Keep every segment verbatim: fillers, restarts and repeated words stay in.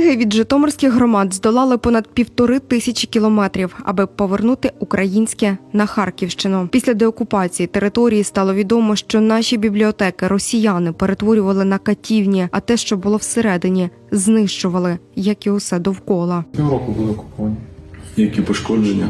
Книги від житомирських громад здолали понад півтори тисячі кілометрів, аби повернути українське на Харківщину. Після деокупації території стало відомо, що наші бібліотеки росіяни перетворювали на катівні, а те, що було всередині, знищували, як і усе довкола. Півроку були окуповані. Які пошкодження?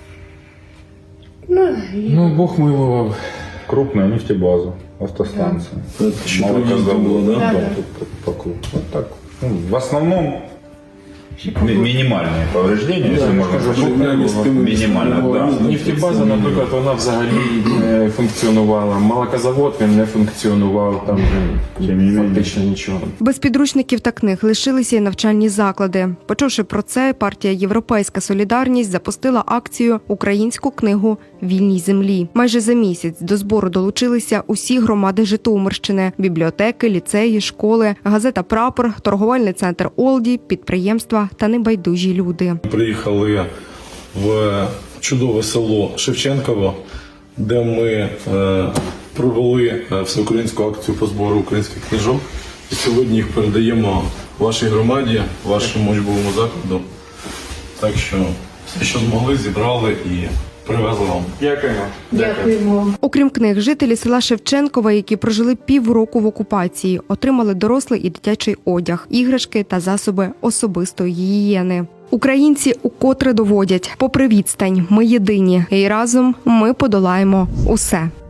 Ну, Бог милував. Крупная нефтебаза, автостанция. Да. Это Чудовищно было, да? Да, тут по, по кругу. Вот так. Ну, в основном ми- минимальные повреждения, если можно сказать. Минимально, да. Нефтебаза, наприклад, вона взагалі не функціонувала. Молокозавод, він не функціонував, там фактично нічого. Без підручників та книг лишилися й навчальні заклади. Почувши про це, партія «Європейська солідарність» запустила акцію «Українську книгу вільній землі». Майже за місяць до збору долучилися усі громади Житомирщини – бібліотеки, ліцеї, школи, газета «Прапор», торговельний центр «Олді», підприємства та небайдужі люди. Приїхали в чудове село Шевченково, де ми е, провели всеукраїнську акцію по збору українських книжок. І сьогодні їх передаємо вашій громаді, вашому учбовому закладу. Так що все, що змогли, зібрали і привезли вам. Дякуємо. Дякуємо. Окрім книг, жителі села Шевченкова, які прожили півроку в окупації, отримали дорослий і дитячий одяг, іграшки та засоби особистої гігієни. Українці укотре доводять, попри відстань, ми єдині, і разом ми подолаємо усе.